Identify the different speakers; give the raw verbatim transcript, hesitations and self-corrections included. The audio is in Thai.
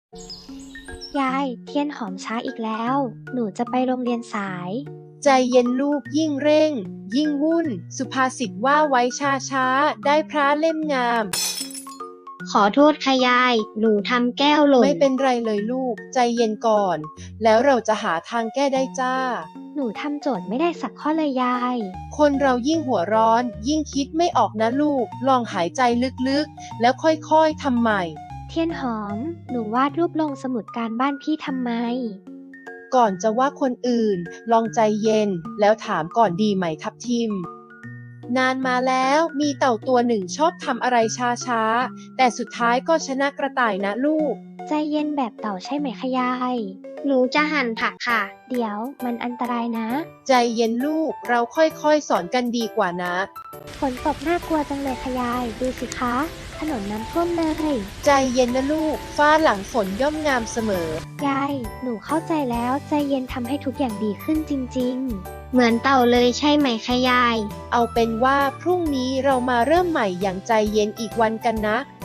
Speaker 1: ยายเทียนหอมช้าอีกแล้ว หนูจะไปโรงเรียนสาย
Speaker 2: ใจเย็นลูกยิ่งเร่ง ยิ่งวุ่น สุภาษิตว่าไว้ช้าช้าได้พระเล่มงาม
Speaker 3: ขอโทษค่ะยาย หนูทำแก้วหล่น
Speaker 2: ไม่เป็นไรเลยลูก ใจเย็นก่อน แล้วเราจะหาทางแก้ได้จ้า
Speaker 1: หนูทำโจทย์ไม่ได้สักข้อเลยยาย
Speaker 2: คนเรายิ่งหัวร้อน ยิ่งคิดไม่ออกนะลูก ลองหายใจลึกๆ แล้วค่อยๆทำใหม่
Speaker 1: เทียนหอม หนูวาดรูปลงสมุดการบ้านพี่ทำไม
Speaker 2: ก่อนจะว่าคนอื่น ลองใจเย็น แล้วถามก่อนดีไหมทับทิม นานมาแล้วมีเต่าตัวหนึ่งชอบทำอะไรช้าๆ แต่สุดท้ายก็ชนะกระต่ายนะลูก
Speaker 1: ใจเย็นแบบเต่าใช่ไหมคะยาย
Speaker 3: หนูจะหั่นผักค่ะ
Speaker 1: เดี๋ยวมันอันตรายนะ
Speaker 2: ใจเย็นลูก เราค่อยๆสอนกันดีกว่านะ
Speaker 1: ฝนตกน่ากลัวจังเลยค่ะยาย ดูสิคะ ถนนน้ำท่วมเลย
Speaker 2: ใจเย็นนะลูก ฟ้าหลังฝนย่อมงามเสมอ
Speaker 1: ยาย หนูเข้าใจแล้ว ใจเย็นทำให้ทุกอย่างดีขึ้นจริง
Speaker 3: เหมือนเต่าเลยใช่ไหมคะยาย
Speaker 2: เอาเป็นว่าพรุ่งนี้เรามาเริ่มใหม่อย่างใจเย็นอีกวันกันนะ